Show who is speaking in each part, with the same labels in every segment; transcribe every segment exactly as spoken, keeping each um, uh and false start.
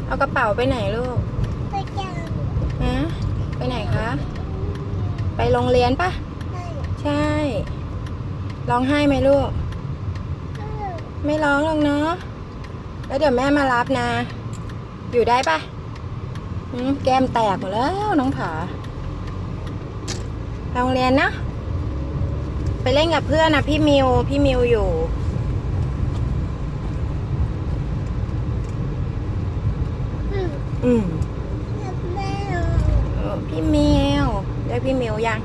Speaker 1: เอากระเป๋าไปไหนลูก
Speaker 2: ไปจัง
Speaker 1: ฮะไปไหนคะไปโรงเรียนปะใช่ร้องไห้ไหมลูกไม่ร้องหรอกเนาะแล้วเดี๋ยวแม่มารับนะอยู่ได้ปะแก้มแตกหมดแล้วน้องผาโรงเรียนนะไปเล่นกับเพื่อนนะพี่มิวพี่มิวอยู่อืมพี่มิวเรียกพี่มิวยัง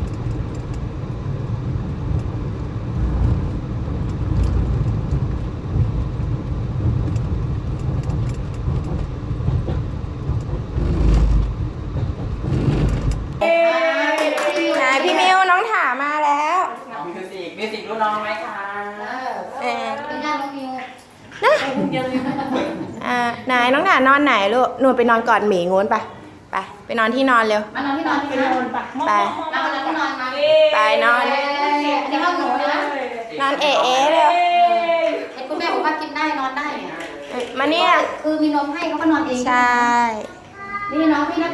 Speaker 1: ไหนพี่มิวน้องถามาแล้ว
Speaker 3: มิวสิกมิวสิกรู้น้องไหมคะ
Speaker 1: เออ
Speaker 2: เป็นญาติน้องมิว
Speaker 1: นะอ่าไหนน้องถานอนไหนลูกหนูไปนอนกอดหมีงูนไปไปไปนอนที่นอนเร็ว
Speaker 2: มานอนที่นอนที่นอนไป
Speaker 1: ไป
Speaker 2: มานอนที่นอนมา
Speaker 1: ไปนอน
Speaker 2: อันนี้ห้องหนูนะ
Speaker 1: นอนเอ๋เอ๋เร็ว
Speaker 2: เห็นคุณแม่บอกว่ากินได้นอนได้เนี่ย
Speaker 1: มาเนี่ย
Speaker 2: คือมีนมให้เขาก็นอนเอง
Speaker 1: ใช่
Speaker 2: นี่น้องพี่นะ